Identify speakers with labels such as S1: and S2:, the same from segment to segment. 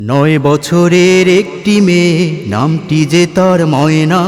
S1: 9 বছরের একটি মেয়ে, নামটি যে তার ময়না।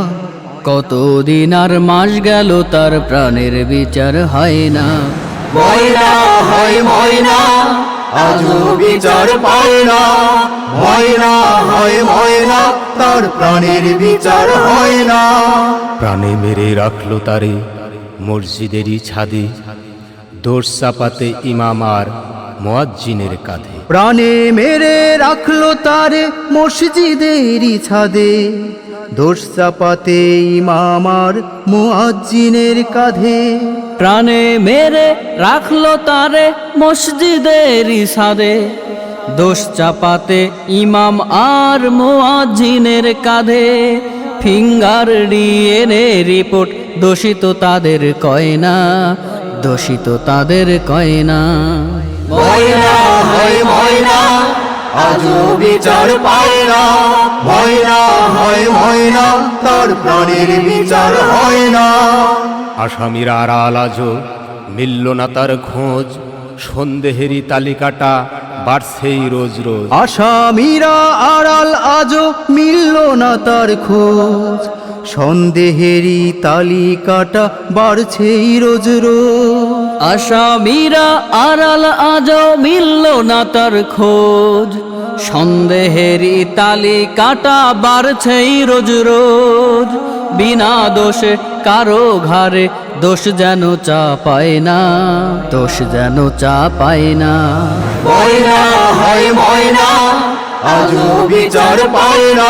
S2: কতদিন আর মাস গেল তার প্রাণের বিচার হয় না।
S1: ময়না হয় ময়না, আজও বিচার পায় না। ময়না হয় ময়না, তার প্রাণের বিচার হয় না।
S3: প্রাণে মেরে রাখলো তারে মসজিদেরই ছাদে, দোষ চাপাতে ইমাম আর মুয়াজ্জিনের কাঁধে।
S1: প্রাণে মেরে রাখলো তারে মসজিদেরই ছাদে, দোষ চাপাতে ইমাম আর মুয়াজ্জিনের কাঁধে।
S2: প্রাণে মেরে রাখলো তারে মসজিদের ছাদে, দোষ চাপাতে ইমাম আর মুয়াজ্জিনের কাঁধে। ফিঙ্গার ডিএনএ রিপোর্ট দোষিত তাদের কয় না, দোষিত তাদের কয় না।
S1: ময়না হয় ময়না, আজও বিচার পায় না। ময়না হয় ময়না, তার প্রাণের বিচার হয় না।
S3: আসামিরা আড়াল আজও মিলল না তার খোঁজ, সন্দেহেরই তালিকাটা বাড়ছেই রোজ রোজ।
S1: আসামিরা আড়াল আজও মিলল না তার খোঁজ, সন্দেহেরই তালিকাটা বাড়ছেই রোজ রোজ।
S2: আসামিরা আড়াল আজও মিলল না তার খোঁজ, সন্দেহেরই তালিকাটা বাড়ছেই রোজ রোজ। বিনা দোষে কারো ঘাড়ে দোষ যেন চাপায় না, দোষ যেন চাপায় না।
S1: ময়না হয় ময়না, আজও বিচার পায় না।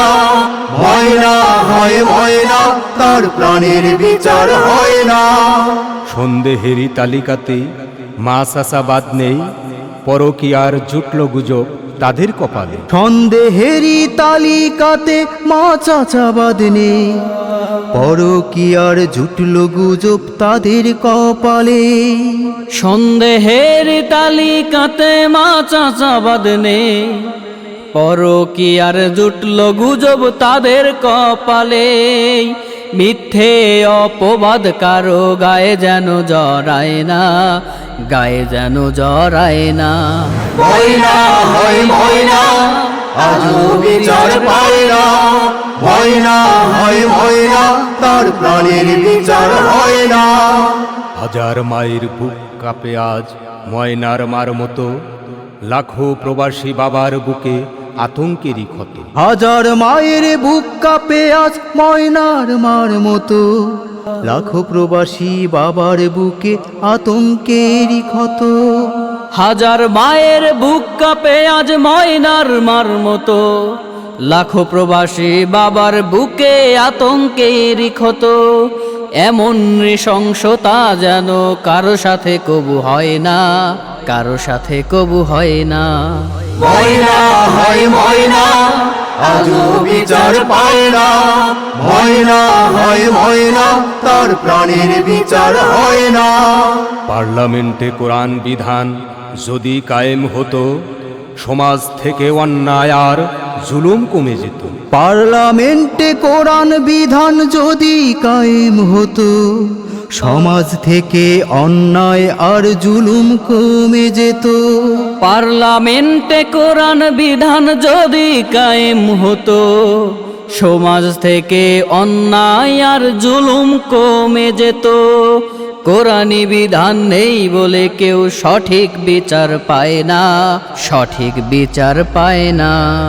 S1: ময়না হয় ময়না, তার প্রাণের বিচার হয় না।
S3: সন্দেহেরই তালিকাতে মা চাচা বাদ নেই, পরকীয়ার জুটল গুজব তাদের কপালে।
S1: সন্দেহেরই তালিকাতে মা চাচাবাদ নেই, পরকীয়ার জুটল গুজব তাদের কপালে।
S2: সন্দেহের তালিকাতে মা চাচাবাদ নেই, পরকীয়ার জুটল গুজব তাদের কপালে। মিথ্যে অপবাদ কারো গায়ে যেন জড়ায় না, গায়ে যেন জড়ায় না।
S1: ময়না হয় ময়না, আজও বিচার পায় না। ময়না হয় ময়না, তার প্রাণের বিচার হয় না।
S3: হাজার মায়ের বুক কাঁপে আজ ময়নার মার মতো, লাখো প্রবাসী বাবার বুকে আতঙ্কেরই ক্ষত।
S1: হাজার মায়ের বুক কাঁপে আজ ময়নার মার মতো, লাখো প্রবাসী বাবার বুকে আতঙ্কেরই ক্ষত।
S2: হাজার মায়ের বুক কাঁপে আজ ময়নার মার মতো, লাখো প্রবাসী বাবার বুকে আতঙ্কের ক্ষত। এমন নৃশংসতা যেন কারো সাথে কবু হয় না, কারো সাথে কবু হয় না।
S1: ময়না হয় ময়না, আজও বিচার পায় না। ময়না হয় ময়না, তার প্রাণের বিচার হয় না।
S3: পার্লামেন্টে কোরআন বিধান যদি কায়েম হতো, সমাজ থেকে অন্যায় আর জুলুম কমে যেত।
S1: পার্লামেন্টে কোরআন বিধান যদি কায়েম হতো, সমাজ থেকে অন্যায় আর জুলুম কমে যেত।
S2: পার্লামেন্টে কোরআন বিধান যদি কায়েম হতো, সমাজ থেকে অন্যায় আর জুলুম কমে যেত। কোরআনি বিধান নেই বলে কেউ সঠিক বিচার পায় না, সঠিক বিচার পায় না।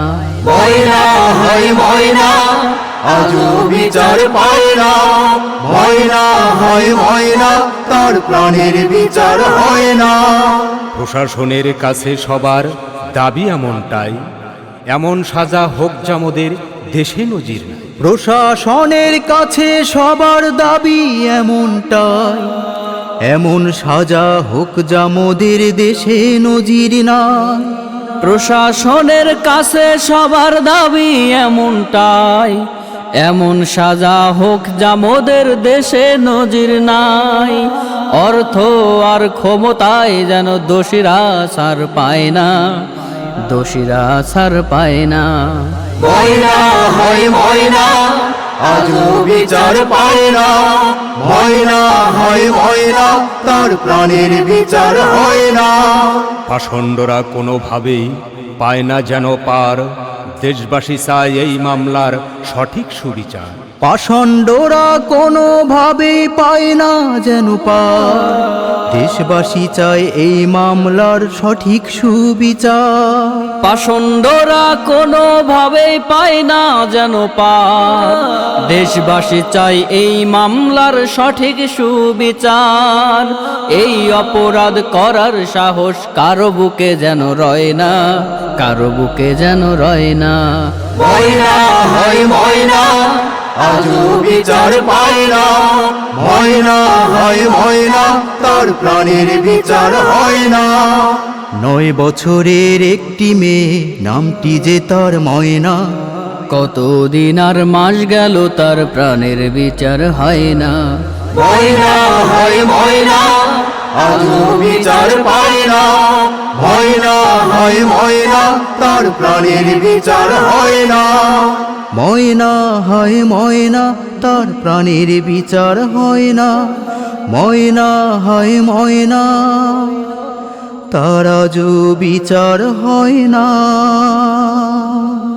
S1: ময়না হয় ময়না, আজও বিচার পায় না। ময়না হয় ময়না, তার প্রাণের বিচার হয় না।
S3: প্রশাসনের কাছে সবার দাবি এমনটাই, এমন সাজা হোক জামদের দেশে নজির নাই।
S1: প্রশাসনের কাছে সবার দাবি এমনটাই, এমন সাজা হোক যা মোদের দেশে নজির নাই।
S2: প্রশাসনের কাছে সবার দাবি এমনটাই, এমন সাজা হোক যা মোদের দেশে নজির নাই। অর্থ আর ক্ষমতায় যেন দোষীরা ছাড় পায় না, দোষীরা ছাড় পায় না।
S1: ময়না হয় ময়না, আজও বিচার পায় না। ময়না হয় ময়না, তার প্রাণের বিচার হয় না।
S3: পাষণ্ডরা কোনোভাবেই পায় না যেন পার, দেশবাসী চায় এই মামলার সঠিক সুবিচার।
S1: পাষণ্ডরা কোনোভাবে পায় না যেন পার, দেশবাসী চায় এই মামলার সঠিক সুবিচার।
S2: পাষণ্ডরা কোনোভাবেই পায় না যেন পার, দেশবাসী চাই এই মামলার সঠিক সুবিচার। এই অপরাধ করার সাহস কারো বুকে যেন রয় না, কারো বুকে যেন রয় না।
S1: ময়না হয় ময়না, আজও বিচার পায় না। ময়না হয় ময়না, তার প্রাণের বিচার হয় না। 9 বছরের একটি মেয়ে, নামটি যে তার ময়না।
S2: কতদিন আর মাস গেল তার প্রাণের বিচার হয় না।
S1: ময়না হয় ময়না, আজও বিচার পায় না। ময়না হয় ময়না, তার প্রাণের বিচার হয় না। ময়না হয় ময়না, তার প্রাণের বিচার হয় না। ময়না হয় ময়না, তার আজও বিচার হয় না।